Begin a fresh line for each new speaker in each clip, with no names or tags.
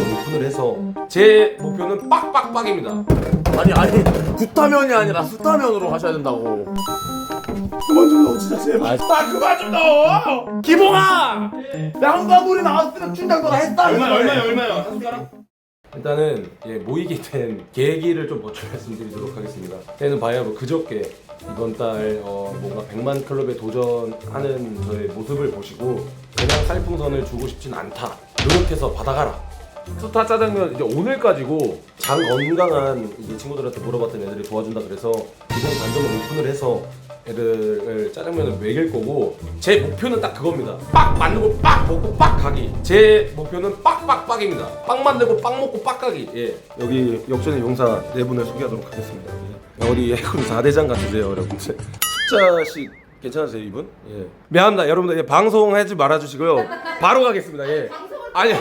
오픈을 해서 제 목표는 빡빡빡입니다.
아니 구타면이 아니라 수타면으로 하셔야 된다고.
그만 좀 넣어 진짜 제발.
아 그만 좀 넣어. 기봉아. 양과물이 나왔으면 춘장 너가 했다.
얼마요? 한 숟가락?
일단은 모이게 된 계기를 좀 먼저 말씀드리도록 하겠습니다. 때는 바야흐로 그저께 이번 달 뭔가 100만 클럽에 도전하는 저의 모습을 보시고 그냥 살풍선을 주고 싶진 않다, 노력해서 받아가라. 스타 짜장면 이제 오늘까지고 장 건강한 이제 친구들한테 물어봤던 애들이 도와준다 그래서 기본 반점을 오픈을 해서 애들을 짜장면을 먹일 거고, 제 목표는 딱 그겁니다. 빡 만들고 빡 먹고 빡 가기. 제 목표는 빡빡빡입니다. 빡 만들고 빡 먹고 빡 가기. 예, 여기 역전의 용사 네 분을 소개하도록 하겠습니다. 예. 어디 해군 4대장 같으세요 여러분들. 숫자씩 괜찮으세요 이분? 예. 미안합니다 여러분들. 예, 방송하지 말아주시고요. 바로 가겠습니다. 예. 아니야.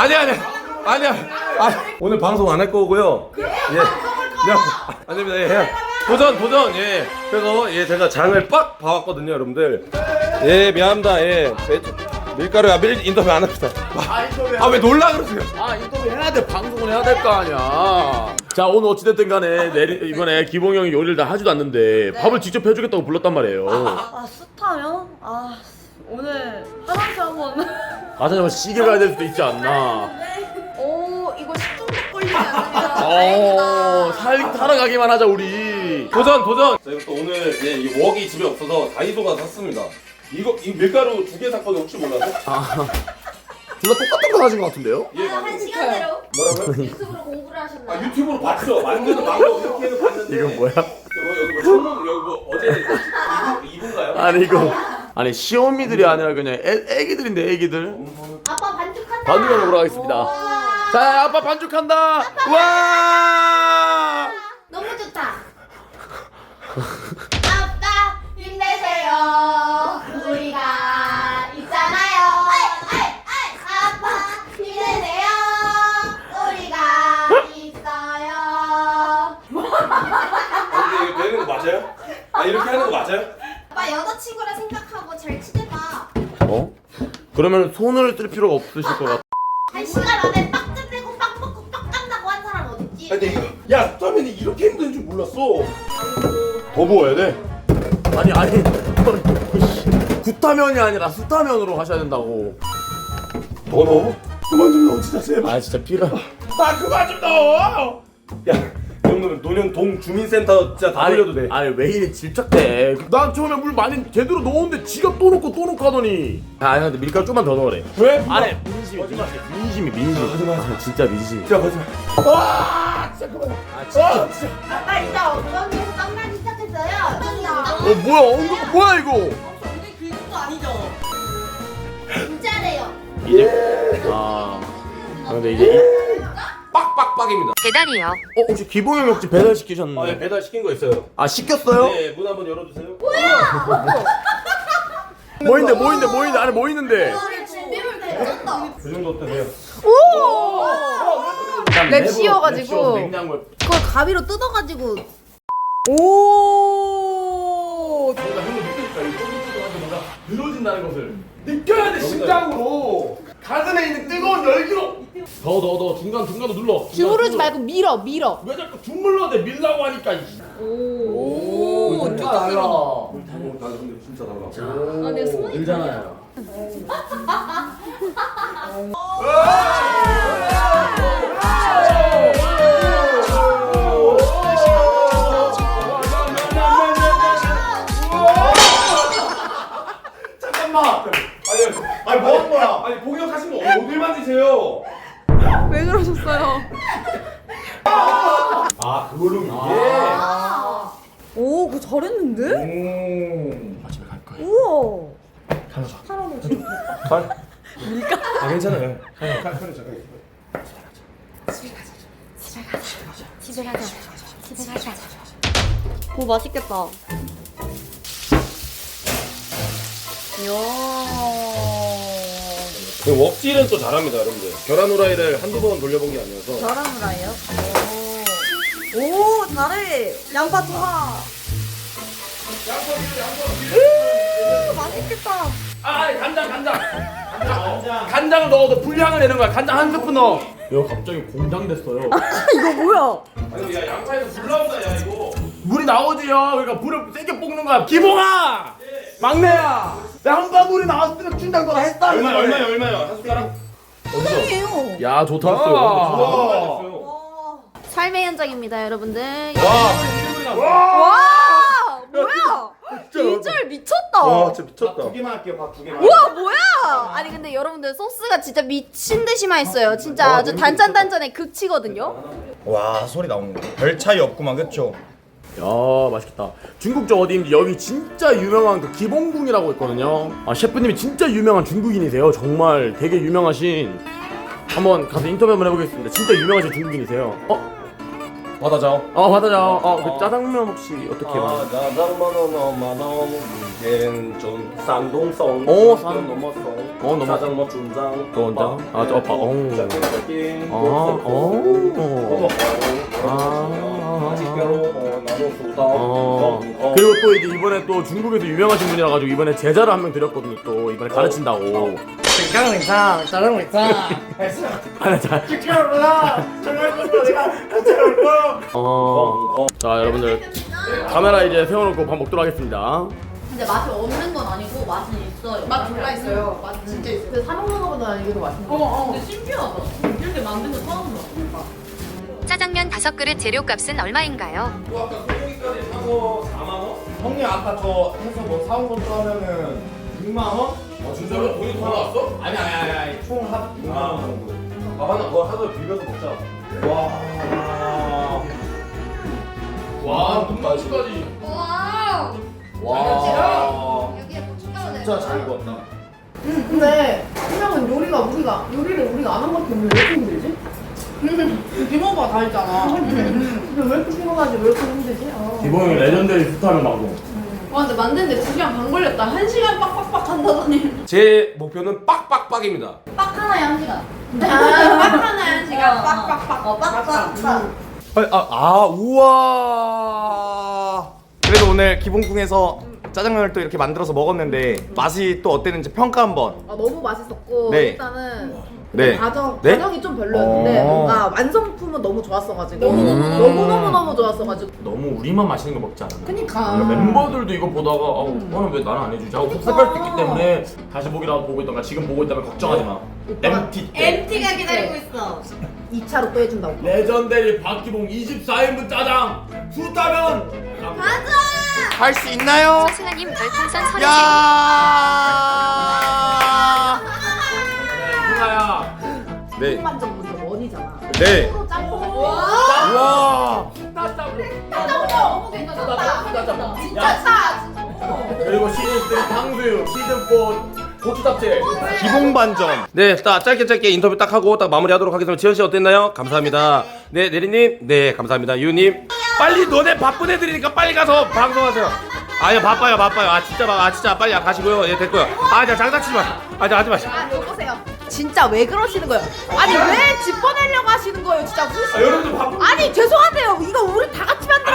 오늘 방송 안 할 거고요. 예. 안 됩니다. 예. 도전. 예. 그래서 제가 장을 빡 봐왔거든요, 여러분들. 예, 미안합니다. 예. 밀가루야 인터뷰 안 합니다. 왜 놀라 그러세요?
인터뷰 해야 돼. 방송을 해야 될 거 아니야. 자 오늘 어찌됐든 간에 이번에 기봉 형이 요리를 다 하지도 않는데 밥을 직접 해주겠다고 불렀단 말이에요.
스타요? 오늘 화장실 한번.
잠깐만 시계 가야 될 수도 있지 않나.
오, 이거 10분 걸리지 않습니다.
살림 타러 가기만 하자 우리.
도전. 저희가 또 오늘 이 웍이 집에 없어서 다이소 가서 샀습니다. 이거 밀가루 2개 샀거든요. 혹시 몰라서?
둘 다 똑같은 거 가진 것 같은데요?
예,
한 시간대로
뭐라고요?
유튜브로 공부를 하셨나요?
유튜브로 봤죠. 만드는 방법 이렇게는 봤는데.
이건 뭐야?
여기 뭐 천문 여기 뭐 어제 이분가요?
아니 시어미들이 아니라 그냥 애기들인데 애기들.
아빠 반죽한다.
반죽을 먹으러 가겠습니다. 자 아빠 반죽한다. 와.
너무 좋다. 아빠 힘내세요. 우리가 있잖아요. 아빠 힘내세요. 우리가 있어요.
이거 되는 거 맞아요? 이렇게 하는 거 맞아요?
아빠 여자친구라 생각하고 잘 치대봐.
그러면 손을 쓸 필요가 없으실 것 같아.
한 시간 안에 빵 끝내고 빵 먹고 빵 간다고 한 사람 어딨지?
근데 이거 야 스타면이 이렇게 힘든 줄 몰랐어. 더 부어야 돼.
아니 구타면이 아니라 수타면으로 하셔야 된다고.
더 넣어? 그만 좀 넣어 진짜 제발.
진짜 필요.
그만 좀 넣어.
야, 이 정도면 논현 주민센터 진짜 다 돌려도 돼.
왜 이래 질척대. 난 처음에 물 많이 제대로 넣었는데 지가 또 넣고 하더니. 근데 밀가루 좀만 더 넣으래.
왜?
안해 민심이. 진짜 민심.
진짜 거짓말. 진짜 그만. 진짜.
아빠 이따 엉덩이에서 빵 나기 시작했어요.
뭐야 이거?
엉덩이 긁은 거 아니죠? 진짜래요.
근데 이제
빡빡빡입니다.
계단이요.
혹시 기봉형 혹시 배달 시키셨나요?
배달 시킨 거 있어요.
시켰어요?
네, 문 한번 열어주세요.
뭐 있는데 안에 뭐 있는데?
오늘 준비물 되었다.
그 정도 때문에요.
랩 씌워가지고.
냉장고에.
그걸 가위로 뜯어가지고.
오.
뭔가 형도 느끼니까 이 쫀득쫀득한데 뭔가 늘어진다는 것을 느껴야 돼. 심장으로 가슴에 있는 뜨거운 열기로 더 중간도 눌러.
주무르지 말고 밀어.
왜 자꾸 주물러대 밀라고 하니까.
오.
진짜 달라.
진짜 달라.
내가 손이
늘잖아요.
잠깐만. 아니 뭐 한 거야? 아니 공격하신 거 어딜 만지세요?
왜 그러셨어요?
그걸로 이게.
오, 그거 잘했는데?
집에 갈 거야.
우와.
괜찮아요.
집에 가자. 오, 맛있겠다. 이야.
웍질은 또 잘합니다, 여러분들. 계란 후라이를 한두 번 돌려본 게 아니어서.
계란 후라이요? 오, 잘해. 양파 투하. 맛있겠다.
간장을 넣어도 불향을 내는 거야. 간장 한 스푼 넣어. 야 갑자기 공장 됐어요.
이거 뭐야?
아니 야 양파에서 물 나온다 야 이거. 물이 나오지요. 그러니까 물을 세게 볶는 거야. 기봉아, 막내야. 나 한번 물이 나왔으면 춘장 너가 했다.
얼마요? 한 숟가락?
땡이에요.
야 좋다.
와.
삶의 현장입니다, 여러분들.
와.
와, 뭐야? 비주얼 미쳤다.
와 진짜 미쳤다. 두 개만 할게요. 밥 두 개만.
우와, 뭐야? 아니 근데 여러분들 소스가 진짜 미친 듯이 맛있어요. 진짜 아주 단짠단짠의 극치거든요.
와 소리 나오는 거. 별 차이 없구만 그쵸?
야 맛있겠다. 중국저 어디인지 여기 진짜 유명한 그 기봉궁이라고 있거든요. 아 셰프님이 진짜 유명한 중국인이세요. 정말 되게 유명하신. 한번 가서 인터뷰 한번 해보겠습니다. 진짜 유명하신 중국인이세요.
받아줘.
받아줘. 그 짜장면 혹시 어떻게 봐?
짜장면은 만원 이게 좀 산동성.
산
넘었어.
넘었어.
짜장면 중장.
또 온다. 저 오빠. 그리고 또 이제 이번에 또 중국에서 유명하신 분이라 가지고 이번에 제자를 한 명 드렸거든요. 또 이번에 가르친다고.
짜장면상 짜장면상.
하나 잘. 자 여러분들 카메라 이제 세워놓고 밥 먹도록 하겠습니다.
근데 맛이 없는 건 아니고 맛이 있어요.
맛 졸라 있어요. 맛 진짜 있어요. 근데 사 먹는 거보다 이게 더 맛있는 거.
근데 신기하다. 이렇게 만든 거 처음 봐.
짜장면 5그릇 재료값은 얼마인가요?
아까 소고기까지 사서 4만 원? 형님 아까 저 해서 뭐 사온 것도 하면은 6만 원?
진짜로 돈이 더 나왔어?
아니 총합 6만 원 정도.
밥 하나 뭐 하나 비벼서 먹자.
와 눈까지.
와.
와.
여기에 고춧가루 내.
진짜 잘 익었다.
근데 분명은 요리를 우리가 안 한 것도 없는데 왜 이렇게 힘들지? 기본가 다 있잖아. 근데 왜 이렇게 피곤하지? 왜 이렇게 힘들지?
기봉이 레전더리 스타를 막고.
와 근데 만드는데 2시간 반 걸렸다. 1시간 빡빡빡 한다더니.
제 목표는 빡빡빡입니다.
빡 하나에 1시간.
빡 하나에 1시간 빡빡빡.
빡빡빡.
우와. 그래도 오늘 기본궁에서 짜장면을 또 이렇게 만들어서 먹었는데 맛이 또 어땠는지 평가 한번.
너무 맛있었고
네.
일단은
네.
과정이 좀 별로였는데 뭔가 완성품은 너무 좋았어가지고 너무 좋았어가지고
너무 우리만 맛있는 거 먹지 않았나?
그니까
멤버들도 이거 보다가 나는 왜 나는 안 해주지 하고 섭섭할 수 있기 때문에 다시 보기라도 보고 있던가 지금 보고 있다면 걱정하지 마. MT 때
MT가 기다리고 있어.
2차로 또 해준다고.
레전더리 박기봉 24인분 짜장 수타면
할 수 있나요?
소승아님 별풍선 30개.
야.
승아야
네.
통만점부터 원이잖아.
네.
프로 짬뽕.
와.
너무 괜찮다. 진짜 차.
그리고 시즌3 탕수육 시즌4 고추 잡채
기본 반점.
네, 딱 짧게 인터뷰 딱 하고 딱 마무리하도록 하겠습니다. 지현 씨 어땠나요? 감사합니다. 네, 내리님, 네, 감사합니다. 유님, 빨리 너네 바쁜 애들이니까 빨리 가서 방송하세요. 아니 바빠요. 진짜 빨리 가시고요. 예, 됐고요. 자 장난치지 마. 하지 마시고.
여보세요. 진짜 왜 그러시는 거예요? 아니 왜 집 보내려고 하시는 거예요? 진짜
여러분들 바쁜
아니 죄송한데요. 이거 우리 다 같이 만든